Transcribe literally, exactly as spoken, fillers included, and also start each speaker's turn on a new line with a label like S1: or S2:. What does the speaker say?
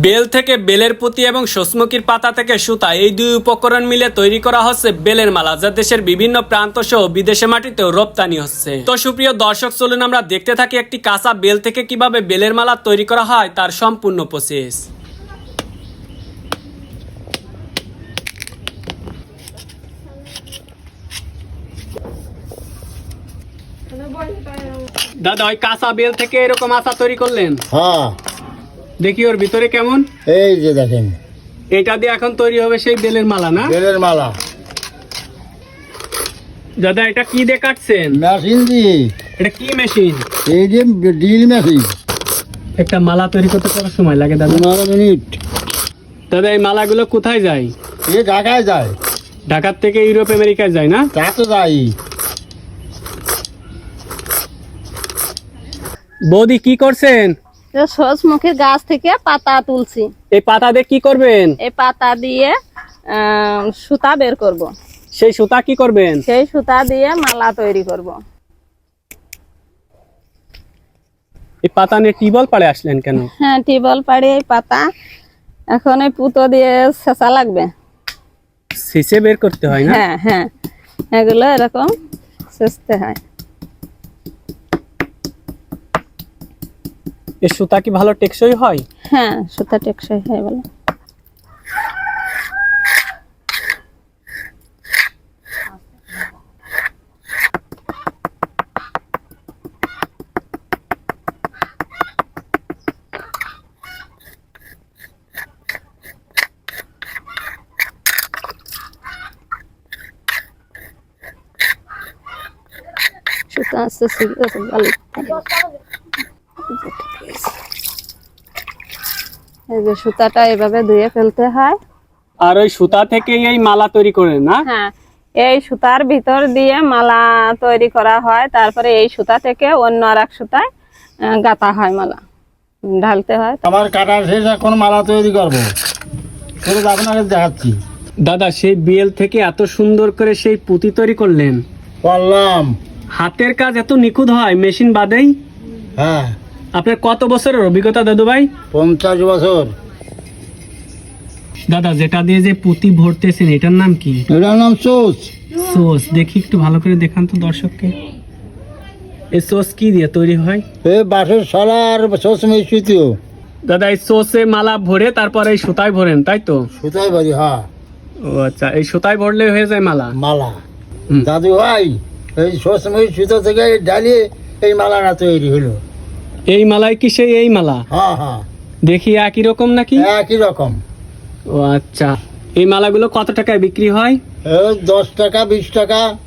S1: Bell থেকে বেলের পুঁতি এবং সূর্যমুখীর পাতা থেকে সুতা এই দুই উপকরণ মিলে তৈরি করা হচ্ছে বেলের মালা, যা দেশের বিভিন্ন প্রান্ত সহ বিদেশে মাটিতেও রপ্তানি হচ্ছে। তো সুপ্রিয় দর্শক, চলুন আমরা দেখতে থাকি একটি কাঁচা বেল থেকে কিভাবে বেলের মালা তৈরি করা হয় তার সম্পূর্ণ প্রসেস। দাদা, ওই কাঁচা বেল থেকে এরকম আচা তৈরি করলেন?
S2: হ্যাঁ,
S1: দেখি ওর ভিতরে কেমন।
S2: এই যে দেখেন,
S1: এটা দিয়ে এখন তৈরি হবে সেই বেলের মালা না?
S2: বেলের মালা।
S1: দাদা, এটা কি দিয়ে কাটছেন?
S2: মেশিন দিয়ে।
S1: এটা কি মেশিন?
S2: এই যে ড্রিল মেশিন।
S1: একটা মালা তৈরি করতে কত সময় লাগে দাদা?
S2: পনেরো মিনিট।
S1: দাদা, এই মালাগুলো কোথায় যায়?
S2: এ ঢাকায় যায়।
S1: ঢাকার থেকে ইউরোপ আমেরিকায় যায় না?
S2: তা তো যাই।
S1: বৌদি, কি করছেন?
S3: সূর্যমুখীর গাছ থেকে পাতা তুলছি।
S1: এই পাতা দিয়ে কি করবেন?
S3: এই পাতা দিয়ে আহ, সুতা বের করব।
S1: সেই সুতা কি করবেন?
S3: সেই সুতা দিয়ে মালা তৈরি করব।
S1: এই পাতা নিয়ে টিউবওয়েল পাড়ে আসলেন কেন?
S3: হ্যাঁ, টিউবওয়েল পাড়ি এই পাতা এখন এই পুতো দিয়ে ছেঁচা লাগবে।
S1: ছিঁচে বের করতে হয় না?
S3: হ্যাঁ হ্যাঁ, এগুলো এরকম ছেঁচতে হয়।
S1: এই সুতা কি ভালো টেকসই হয়?
S3: হ্যাঁ, সুতা টেকসই হয় বলে। সুতা আছে ভালো। এই যে সুতাটা এভাবে ধুয়ে ফেলতে হয়।
S1: আর ওই সুতা থেকে এই মালা তৈরি করেন না?
S3: হ্যাঁ, এই সুতার ভিতর দিয়ে মালা তৈরি করা হয়। তারপরে এই সুতা থেকে অন্য আর এক সুতায় আহ, গাঁথা হয়, মালা ঢালতে হয়।
S2: আমার কাটার শেষ, এখন মালা তৈরি করবো। সেটা আপনাকে দেখাচ্ছি।
S1: দাদা, সেই বেল থেকে এত সুন্দর করে সেই পুঁতি তৈরি করলেন,
S2: করলাম।
S1: হাতের কাজ এত নিখুঁত হয় মেশিন বাদেই?
S2: হ্যাঁ,
S1: আপনার কত বছরের অভিজ্ঞতা দাদু ভাই?
S2: পঞ্চাশ বছর।
S1: দাদা, যেটা দিয়ে যে পুঁতি ভরতেছেন এটার নাম কি?
S2: এটার নাম সোস।
S1: সোস। দেখি একটু ভালো করে দেখান তো দর্শককে। এই সোস কি দিয়ে তৈরি হয়?
S2: এ বাঁশের শলা আর সোস মিশ্রিত।
S1: দাদা, এই সোসে মালা ভরে তারপরে এই সুতায় ভরেন, তাই তো?
S2: সুতাই বাড়ি। হ্যাঁ,
S1: ও আচ্ছা, এই সুতায় ভরলে হয়ে যায় মালা?
S2: মালা।
S1: হুম।
S2: দাদু ভাই, এই সোস মিশ্রিত থেকে ডালিয়ে এই মালাটা তৈরি হলো।
S1: এই মালাই কি সেই এই মালা?
S2: হ্যাঁ হ্যাঁ,
S1: দেখি একই রকম নাকি?
S2: একই রকম।
S1: ও আচ্ছা, এই মালাগুলো কত টাকায় বিক্রি হয়?
S2: এই দশ টাকা, বিশ টাকা।